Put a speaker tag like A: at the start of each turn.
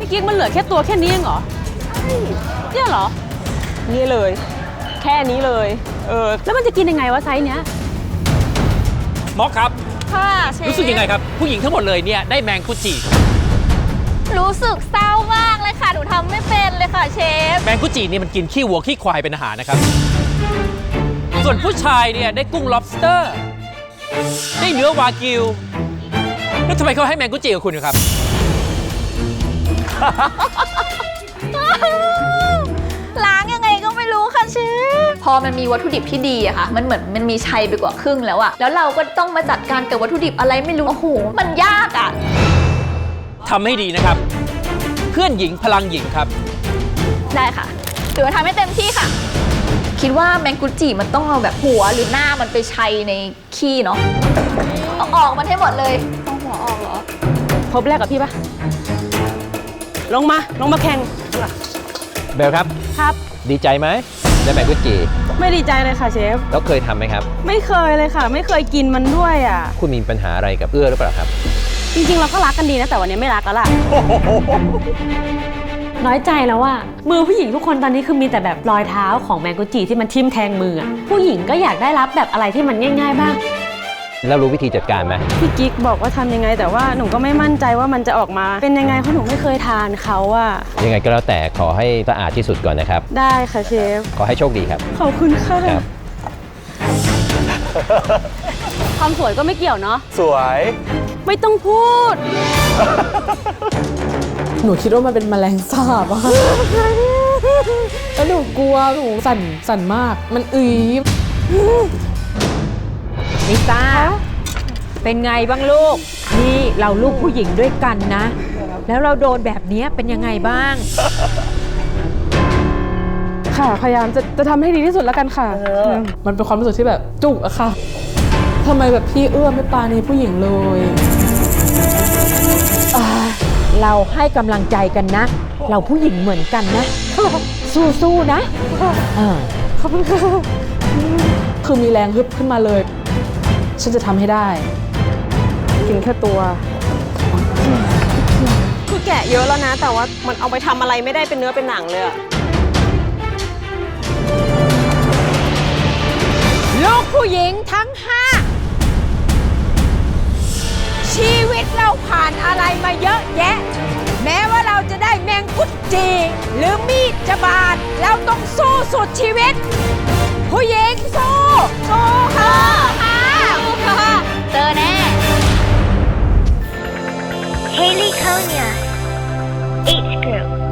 A: พี่กิ๊กมันเหลือแค่ตัวแค่นี้เองเหรอเนี่ยเหรอ
B: นี่เลยแค่นี้เลย
A: แล้วมันจะกินยังไงวะไซส์เนี้ย
C: ม็อกครับ
B: ค่ะเชฟ
C: รู้สึกยังไงครับผู้หญิงทั้งหมดเลยเนี่ยได้แมงกุจิ
B: รู้สึกเศร้ามากเลยค่ะหนูทำไม่เป็นเลยค่ะเชฟ
C: แมงกุจินี่มันกินขี้วัวขี้ควายเป็นอาหารนะครับส่วนผู้ชายเนี่ยได้กุ้ง lobster ได้เนื้อวากิวแล้วทำไมเขาให้แมงกุจิกับคุณครับ
B: ล้างยังไงก็ไม่รู้ค่ะเชฟพอมันมีวัตถุดิบที่ดีอะค่ะมันเหมือนมันมีชัยไปกว่าครึ่งแล้วอะแล้วเราก็ต้องมาจัดการกับวัตถุดิบอะไรไม่รู้โอ้โหมันยากอะ
C: ทำให้ดีนะครับเพื่อนหญิงพลังหญิงครับ
B: ได้ค่ะเดี๋ยวทำให้เต็มที่ค่ะคิดว่าแมงกุจิมันต้องเอาแบบหัวหรือหน้ามันไปชัยในขี้เนาะเอาออกมันให้หมดเลยต้องหัวออกเหรอ
A: พบแรกกับพี่ปะลงมาแข่ง
D: เบลครับ
A: ครับ
D: ดีใจไหมได้แมงกุจิ
A: ไม่ดีใจเลยค่ะเชฟ
D: แล้วเคยทำไหมครับ
A: ไม่เคยเลยค่ะไม่เคยกินมันด้วยอ่ะ
D: คุณมีปัญหาอะไรกับหรือเปล่าครับ
A: จริงๆเราก็รักกันดีนะแต่วันนี้ไม่รักแล้วล่ะน้อยใจแล้วว่ามือผู้หญิงทุกคนตอนนี้คือมีแต่แบบรอยเท้าของแมงกุจิที่มันทิ่มแทงมือผู้หญิงก็อยากได้รับแบบอะไรที่มันง่ายๆบ้าง
D: แล้วรู้วิธีจัดการไหม
A: พี่กิ๊กบอกว่าทำยังไงแต่ว่าหนูก็ไม่มั่นใจว่ามันจะออกมาเป็นยังไงเพราะหนูไม่เคยทานเขาอะ
D: ยังไงก็แล้วแต่ขอให้สะอาดที่สุดก่อนนะครับ
A: ได้ค่ะเชฟ
D: ขอให้โชคดีครับ
A: ขอบคุณค่ะความสวยก็ไม่เกี่ยวเนาะ
E: สวย
A: ไม่ต้องพูด
F: หนูคิดว่ามันเป็นแมลงสาบอะแล้วหนูกลัวหนูสั่นมากมัน
G: ลิซ่าเป็นไงบ้างลูกนี่เราลูกผู้หญิงด้วยกันนะแล้วเราโดนแบบนี้เป็นยังไงบ้าง
F: ค่ะพยายามจะทำให้ดีที่สุดแล้วกันค่ะมันเป็นความรู้สึกที่แบบจุกอะค่ะทำไมแบบพี่เอื้อมไม่ปราณีผู้หญิงเลย
G: เราให้กำลังใจกันนะเราผู้หญิงเหมือนกันนะสู้ๆนะ
F: ขอบคุณค่ะคือมีแรงฮึบขึ้นมาเลยฉันจะทำให้ได้กินแค่ตัว
A: คือแกะเยอะแล้วนะแต่ว่ามันเอาไปทำอะไรไม่ได้เป็นเนื้อเป็นหนังเลยอะ
G: ลูกผู้หญิงทั้ง5ชีวิตเราผ่านอะไรมาเยอะแยะแม้ว่าเราจะได้แมงกุจิหรือมีดจะบาดเราต้องสู้สุดชีวิตผู้หญิงสู้ค่ะ
B: เจอแน่
H: Haley Konya, H Group.